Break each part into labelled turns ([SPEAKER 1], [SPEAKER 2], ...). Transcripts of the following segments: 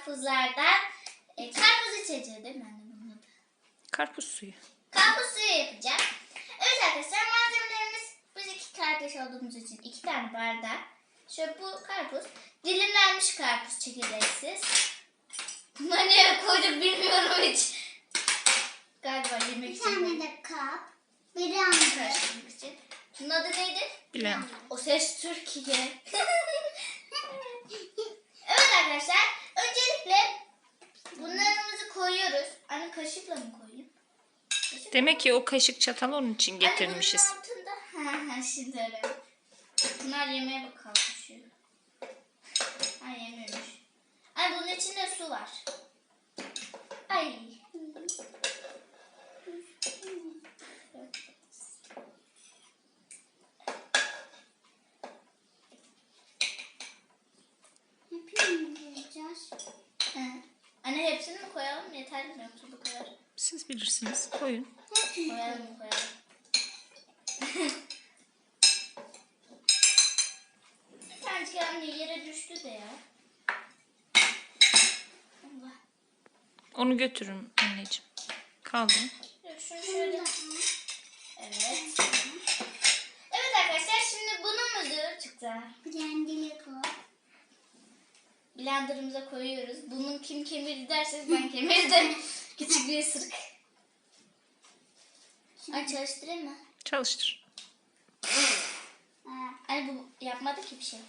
[SPEAKER 1] karpuzlardan karpuz içeceği değil mi anne bunun adı?
[SPEAKER 2] Karpuz suyu.
[SPEAKER 1] Karpuz suyu yapacağım. Evet arkadaşlar, malzemelerimiz, biz 2 kardeş olduğumuz için 2 tane bardak. Şöyle bu karpuz, dilimlenmiş karpuz, çekirdeksiz. Buna ne koyduk bilmiyorum hiç. Galiba yemek
[SPEAKER 3] Bir
[SPEAKER 1] için.
[SPEAKER 3] tane de kap. Bir anda.
[SPEAKER 1] Karıştırmak için. Bunun adı neydi?
[SPEAKER 2] Bilen.
[SPEAKER 1] O Ses Türkiye. Evet arkadaşlar, öncelikle bunlarımızı koyuyoruz. Anne kaşıkla mı koyayım?
[SPEAKER 2] Demek ki o kaşık çatal onun için getirmişiz.
[SPEAKER 1] Anne bunun altında. Ha şimdi öyle. Bunlar yemeğe bak kalkışıyor. Ha yemiyormuş. Anne bunun içinde su var. Ay.
[SPEAKER 3] Hepsini mi koyacağız?
[SPEAKER 1] Anne hepsini mi koyalım? Yeterli mi yoksa bu kadar?
[SPEAKER 2] Siz bilirsiniz. Koyun.
[SPEAKER 1] Koyalım. Bir tanecik anne yere düştü de ya. Allah.
[SPEAKER 2] Onu götürün anneciğim. Kaldı.
[SPEAKER 1] Şunu şöyle. Evet. Evet arkadaşlar, şimdi bunumuzu çıktı.
[SPEAKER 3] Blendili koy.
[SPEAKER 1] Blenderımıza koyuyoruz. Bunun kim kemirdi derseniz ben kemirdim. Küçük bir ısırık. Ay çalıştırayım mı?
[SPEAKER 2] Çalıştır.
[SPEAKER 1] Ay bu yapmadı ki bir şey.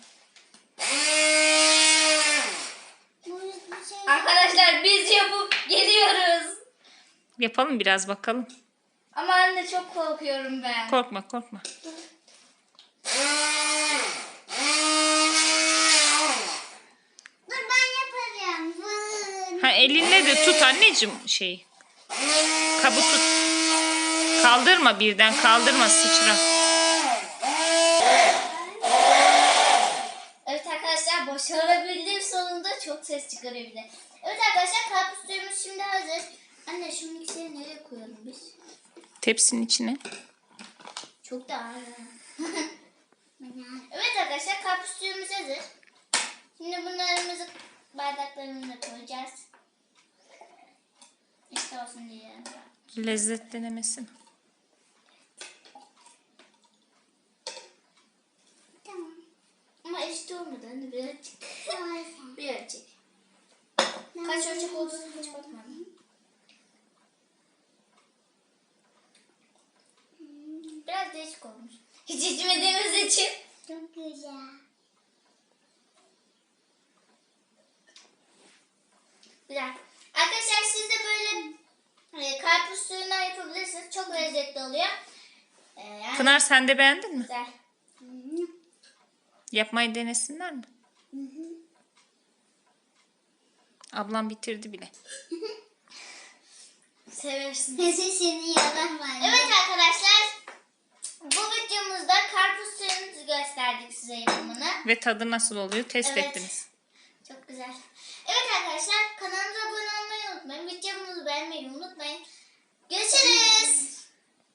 [SPEAKER 3] Bu bir şey.
[SPEAKER 1] Arkadaşlar biz yapıp geliyoruz.
[SPEAKER 2] Yapalım biraz bakalım.
[SPEAKER 1] Ama anne çok korkuyorum ben.
[SPEAKER 2] Korkma korkma.
[SPEAKER 3] Dur ben yaparım. Vın.
[SPEAKER 2] Ha elinle de tut anneciğim şeyi. Kabı tut. Kaldırma birden kaldırma sıçra.
[SPEAKER 1] Evet arkadaşlar, başarabildim sonunda, çok ses çıkarıyor bir de. Evet arkadaşlar, karpuz suyumuz şimdi hazır. Anne şu mikseri nereye koyalım biz?
[SPEAKER 2] Tepsinin içine.
[SPEAKER 1] Çok da ağır. Evet arkadaşlar, karpuz suyumuz hazır. Şimdi bunlarımızı bardaklarımıza koyacağız. İşte olsun diye.
[SPEAKER 2] Lezzet denemesin.
[SPEAKER 3] Tamam.
[SPEAKER 1] Ama eşit olmadı anne, birazcık.
[SPEAKER 3] Sonra sen.
[SPEAKER 1] Birazcık. Kaç ölçek olduğunu hiç bakmadım. Biraz değişik olmuş. Hiç içmediğimiz için.
[SPEAKER 3] Çok güzel.
[SPEAKER 1] Güzel. Arkadaşlar siz de böyle karpuz suyundan yapabilirsiniz. Çok lezzetli oluyor. Yani
[SPEAKER 2] Pınar sen de beğendin mi?
[SPEAKER 1] güzel.
[SPEAKER 2] Yapmayı denesinler mi? Ablam bitirdi bile.
[SPEAKER 1] Seversin.
[SPEAKER 3] Sesini yalan var.
[SPEAKER 1] Evet arkadaşlar, bu videomuzda karpuz suyumuzu gösterdik size yapımını.
[SPEAKER 2] Ve tadı nasıl oluyor test
[SPEAKER 1] Evet.
[SPEAKER 2] ettiniz.
[SPEAKER 1] Çok güzel. Evet arkadaşlar, kanalımıza abone olmayı unutmayın. Videomuzu beğenmeyi unutmayın. Görüşürüz.